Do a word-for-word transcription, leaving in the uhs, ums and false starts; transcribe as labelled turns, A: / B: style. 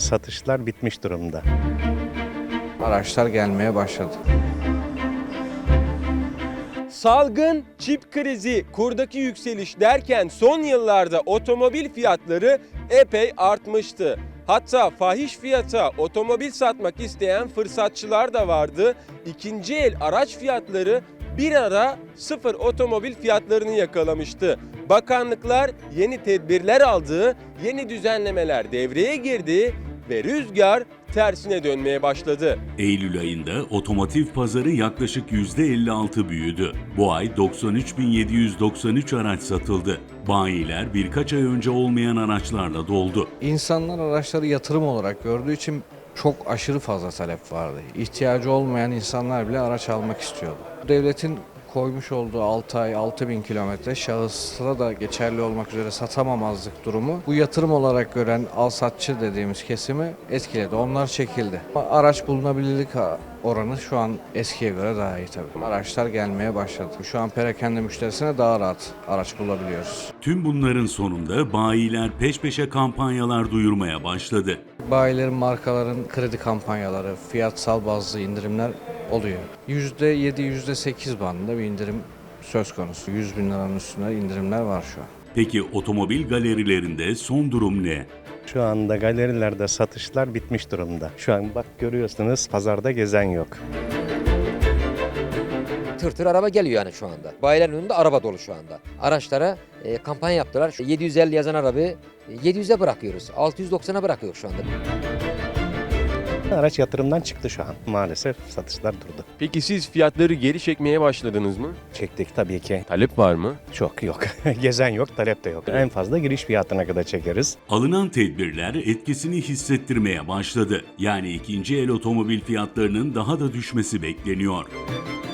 A: satışlar bitmiş durumda.
B: Araçlar gelmeye başladı.
C: Salgın, çip krizi, kurdaki yükseliş derken son yıllarda otomobil fiyatları epey artmıştı. Hatta fahiş fiyata otomobil satmak isteyen fırsatçılar da vardı. İkinci el araç fiyatları bir ara sıfır otomobil fiyatlarını yakalamıştı. Bakanlıklar yeni tedbirler aldı, yeni düzenlemeler devreye girdi ve rüzgar tersine dönmeye başladı.
D: Eylül ayında otomotiv pazarı yaklaşık yüzde elli altı büyüdü. Bu ay doksan üç bin yedi yüz doksan üç araç satıldı. Bayiler birkaç ay önce olmayan araçlarla doldu.
B: İnsanlar araçları yatırım olarak gördüğü için çok aşırı fazla talep vardı. İhtiyacı olmayan insanlar bile araç almak istiyordu. Devletin koymuş olduğu altı ay altı bin kilometre şahıslara da geçerli olmak üzere satamamazlık durumu bu yatırım olarak gören alsatçı dediğimiz kesimi etkiledi. Onlar çekildi. Araç bulunabilirlik oranı şu an eskiye göre daha iyi tabii. Araçlar gelmeye başladı. Şu an perakende müşterisine daha rahat araç bulabiliyoruz.
D: Tüm bunların sonunda bayiler peş peşe kampanyalar duyurmaya başladı.
B: Bayilerin, markaların kredi kampanyaları, fiyatsal bazlı indirimler oluyor. yüzde yedi yüzde sekiz bandında bir indirim söz konusu. yüz bin liranın üstünde indirimler var şu an.
D: Peki otomobil galerilerinde son durum ne?
A: Şu anda galerilerde satışlar bitmiş durumda. Şu an bak görüyorsunuz pazarda gezen yok.
E: Tır tır araba geliyor yani şu anda. Bayilerin önünde araba dolu şu anda. Araçlara e, kampanya yaptılar. yedi yüz elli yazan arabayı yedi yüze bırakıyoruz. altı yüz doksana bırakıyor şu anda.
A: Araç yatırımdan çıktı şu an. Maalesef satışlar durdu.
C: Peki siz fiyatları geri çekmeye başladınız mı?
A: Çektik tabii ki.
C: Talep var mı?
A: Çok yok. Gezen yok, talep de yok. En fazla giriş fiyatına kadar çekeriz.
D: Alınan tedbirler etkisini hissettirmeye başladı. Yani ikinci el otomobil fiyatlarının daha da düşmesi bekleniyor.